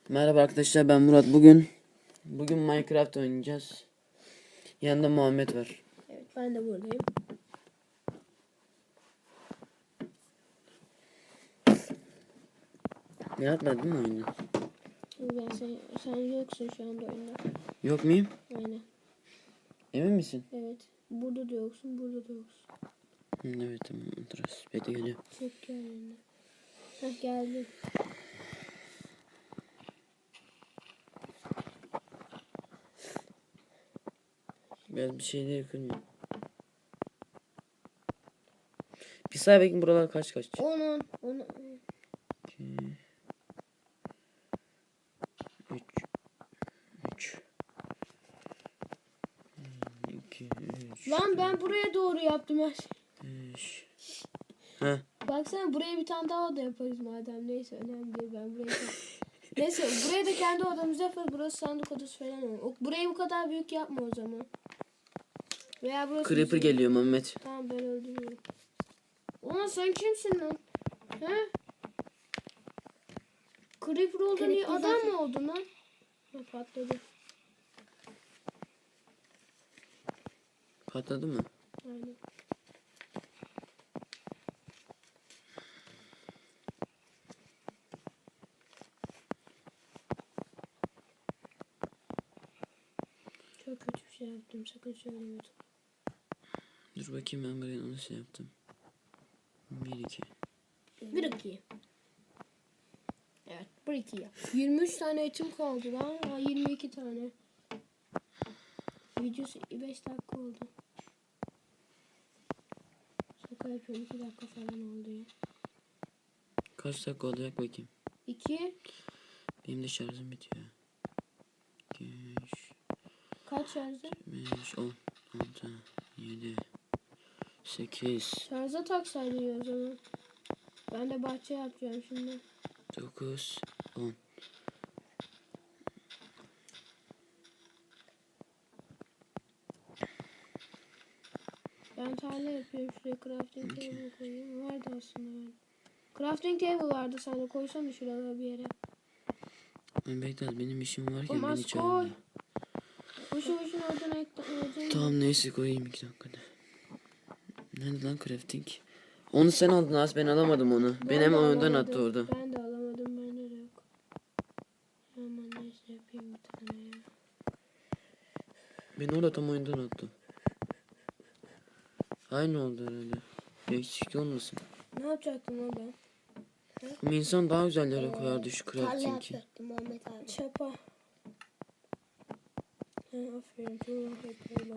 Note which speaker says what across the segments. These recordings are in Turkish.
Speaker 1: Merhaba arkadaşlar, ben Murat. Bugün Minecraft oynayacağız. Yanında Muhammed var.
Speaker 2: Evet, ben de buradayım.
Speaker 1: Ne yapmadın değil mi oyunu?
Speaker 2: Sen yoksun şu anda oyunda.
Speaker 1: Yok muyum?
Speaker 2: Aynen.
Speaker 1: Emin misin?
Speaker 2: Evet. Burada da yoksun, burada da yoksun.
Speaker 1: Evet, tamam. Otururuz. Bekle, geliyor.
Speaker 2: Çek gel yanına. Heh, geldim.
Speaker 1: Biraz bir şeyleri kırmıyor. Bir say bakayım buralar kaç.
Speaker 2: 10.
Speaker 1: 2 3 2 3
Speaker 2: Lan ben buraya doğru yaptım her şey.
Speaker 1: 5. Heh.
Speaker 2: Baksana, buraya bir tane daha oda yaparız madem. Neyse, önemli değil, ben buraya Neyse, buraya da kendi odamızı yaparız. Burası sandık odası falan olur. Burayı bu kadar büyük yapma o zaman. Veya burası
Speaker 1: Creeper
Speaker 2: bizim...
Speaker 1: geliyor Muhammed.
Speaker 2: Tamam, ben öldürüyorum. Ulan sen kimsin lan? He? Creeper oldun diye adam mı oldun lan? Ha, patladı.
Speaker 1: Patladı mı?
Speaker 2: Aynen. Çok kötü bir şey yaptım. Sakın söyleme.
Speaker 1: Dur bakayım, ben buraya onu yaptım. 1 2.
Speaker 2: 1-2. Evet, 1-2 yap. 23 tane etim kaldı lan. Ha, 22 tane. Videosu 5 dakika oldu. Şaka yapıyorum, 2 dakika falan oldu ya.
Speaker 1: Kaç dakika olacak bakayım.
Speaker 2: 2.
Speaker 1: Benim de şarjım bitiyor. 2 3
Speaker 2: Kaç şarjı?
Speaker 1: 5 10 6 7 8
Speaker 2: Şarja taksaydın ya o zaman. Ben de bahçe yapacağım şimdi.
Speaker 1: 9 10.
Speaker 2: Ben tarla yapıyorum, şuraya crafting table koyayım. Vardı aslında ben. Crafting table vardı, sen de koysana şuraya bir yere.
Speaker 1: Bekle, benim işim varken
Speaker 2: Oğlum
Speaker 1: beni
Speaker 2: az koy.
Speaker 1: çağırma.
Speaker 2: Boşu boşuna oradan ekledim.
Speaker 1: Tamam, neyse, koyayım 2 dakikada. Nerede lan crafting? Onu sen aldın az, ben alamadım onu. Ben hemen oyundan attı orada.
Speaker 2: Ben de alamadım, bende de yok. Aman neyse, yapayım bir tane ya.
Speaker 1: Beni orada tam oyundan attı. Aynı oldu herhalde. Eksik olmasın.
Speaker 2: Ne yapacaktım lan ben?
Speaker 1: Ama insan daha güzel yere koyardı şu
Speaker 3: Tarla
Speaker 1: crafting'i.
Speaker 3: yapacaktım Muhammed abi.
Speaker 2: Çapa. He, aferin, tuğla yapıyorlar.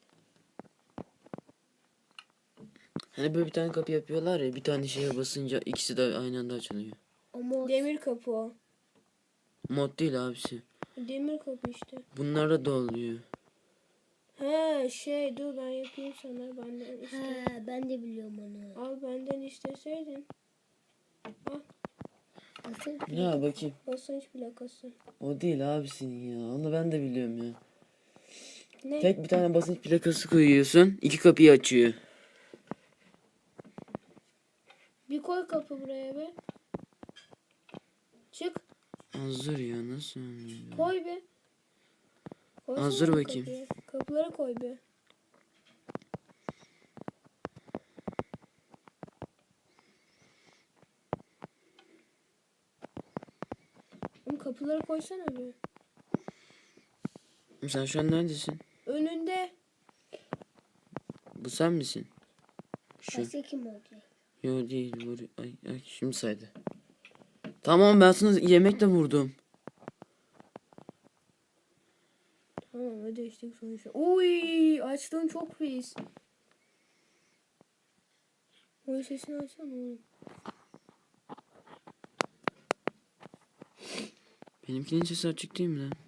Speaker 1: Hani böyle bir tane kapı yapıyorlar ya, bir tane şeye basınca ikisi de aynı anda açılıyor.
Speaker 3: Ama
Speaker 2: Demir kapı o.
Speaker 1: Mod değil abisi.
Speaker 2: Demir kapı işte.
Speaker 1: Bunlarda da oluyor.
Speaker 2: He dur ben yapayım sana, benden iste.
Speaker 3: he, ben de biliyorum onu.
Speaker 2: Al, benden isteseydin. Al,
Speaker 3: Nasıl?
Speaker 1: Ya bakayım.
Speaker 2: basınç plakası.
Speaker 1: O değil abisinin ya. Onu ben de biliyorum ya.
Speaker 2: Ne?
Speaker 1: Tek bir tane basınç plakası koyuyorsun. İki kapıyı açıyor.
Speaker 2: Bir koy kapı buraya be. Çık.
Speaker 1: Hazır ya, nasıl oluyor?
Speaker 2: Koy be. Koysana
Speaker 1: Hazır
Speaker 2: bir
Speaker 1: bakayım.
Speaker 2: kapıyı. Kapıları koy be. Oğlum kapıları koysana be.
Speaker 1: Sen şu an neredesin?
Speaker 2: Önünde.
Speaker 1: Bu sen misin? Şu.
Speaker 3: Başka kim olacak?
Speaker 1: Yo, değil. Ay, şimdi saydı. Tamam, ben sana yemekle vurdum.
Speaker 2: Tamam, hadi işte sonuçta. Uy, açtığın çok pis. Oy, sesini açsana oğlum.
Speaker 1: Benimkinin sesi açık değil mi lan?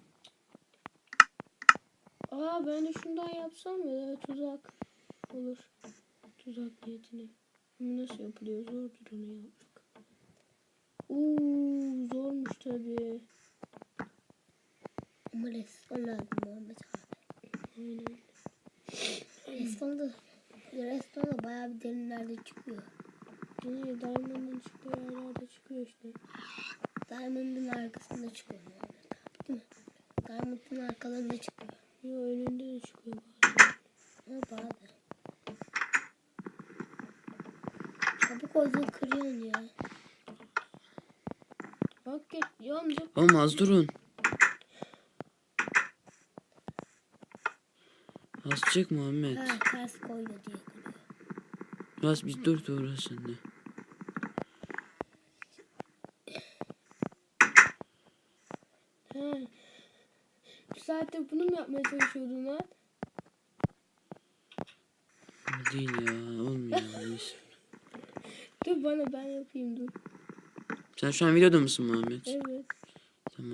Speaker 2: Aa, ben de şundan yapsam ya, tuzak olur. Tuzak niyetine. Ama nasıl yapılıyor? Zordur onu yapmak. Zormuş tabii.
Speaker 3: Ama reston lazım Muhammed abi.
Speaker 2: Aynen.
Speaker 3: Reston da bayağı bir derinlerde çıkıyor.
Speaker 2: İyi, Diamond'ın çıktığı yerlerde çıkıyor işte.
Speaker 3: Diamond Diamond'ın arkasında çıkıyor Muhammed abi, değil mi? Diamond'ın arkalarında çıkıyor.
Speaker 2: Yo, önünde de çıkıyor.
Speaker 3: Ama bazen. Çabuk odun kırıyorsun ya.
Speaker 2: Bak git yandı.
Speaker 1: Oğlum az durun. Az çık Muhammed.
Speaker 3: Ha, ters koyuyor diye kırıyor.
Speaker 1: Az bir dur Tuğra sen de.
Speaker 2: Ha. Bir saattir bunu mu yapmaya çalışıyordun lan?
Speaker 1: Değil ya olmuyor. Neyse.
Speaker 2: Dur bana, ben yapayım dur.
Speaker 1: Sen şu an videoda mısın Muhammed?
Speaker 2: Evet.
Speaker 1: Tamam.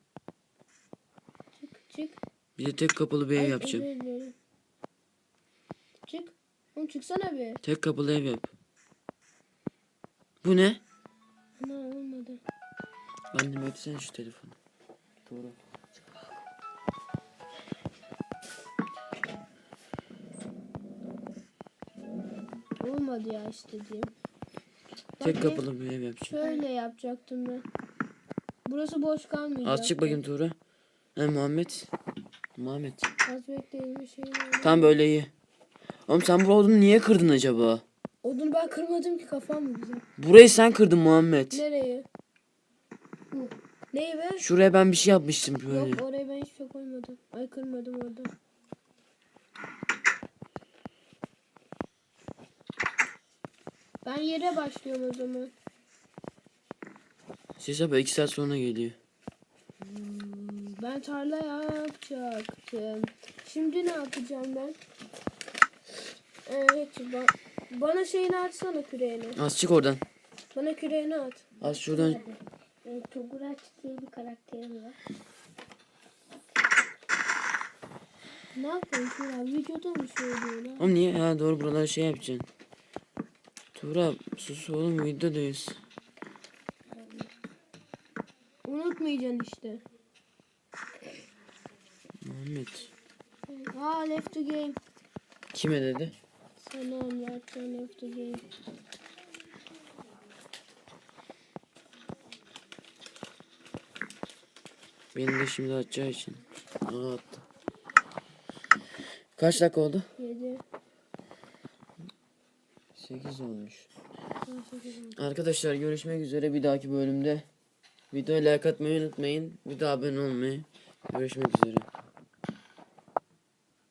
Speaker 2: Çık.
Speaker 1: Bir de tek kapılı bir ev
Speaker 2: Ay,
Speaker 1: yapacağım.
Speaker 2: özür dilerim. Çık. Oğlum çıksana bir.
Speaker 1: Tek kapılı ev yap. Bu ne?
Speaker 2: Ana olmadı.
Speaker 1: Ben de etsene şu telefonu. Doğru.
Speaker 2: Olmadı ya istediğim.
Speaker 1: Tek
Speaker 2: Bak,
Speaker 1: kapılı bir ev yapacağım.
Speaker 2: şöyle yapacaktım ben. Burası boş kalmayacak.
Speaker 1: Az çık bakayım Tuğra. He Muhammed. Muhammed.
Speaker 2: Az bekleyin bir şey.
Speaker 1: Tam böyle iyi. Oğlum sen bu odunu niye kırdın acaba?
Speaker 2: Odunu ben kırmadım ki, kafam mı güzel?
Speaker 1: Burayı sen kırdın Muhammed.
Speaker 2: Nereye? Neyi be?
Speaker 1: Şuraya ben bir şey yapmıştım böyle.
Speaker 2: Yok, oraya ben hiçbir şey koymadım. Ay, kırmadım orada. Ben yere başlıyorum o zaman.
Speaker 1: Ses abi 2 saat sonra geliyor.
Speaker 2: Ben tarla yapacaktım. Şimdi ne yapacağım ben? Evet, bana şeyini atsana, küreğini.
Speaker 1: Az çık oradan.
Speaker 2: Bana küreğini at.
Speaker 1: Az şuradan.
Speaker 3: Toguraç diye bir karakterim var.
Speaker 2: Ne yapıyorsun ya? Videoda mı söylüyorsun ha?
Speaker 1: Oğlum niye? Ha doğru buraları şey yapacaksın. Tuğra sus oğlum videodayız.
Speaker 2: Unutmayacaksın işte.
Speaker 1: Muhammed.
Speaker 2: Left to game.
Speaker 1: Kime dedi?
Speaker 2: Sana anlatacağım, left to game.
Speaker 1: Beni de şimdi atacağı için. Aa attı. Kaç dakika oldu?
Speaker 2: 7.
Speaker 1: 8 olmuş. Arkadaşlar görüşmek üzere bir dahaki bölümde. Videoya like atmayı unutmayın. Bir daha abone olmayı. Görüşmek üzere.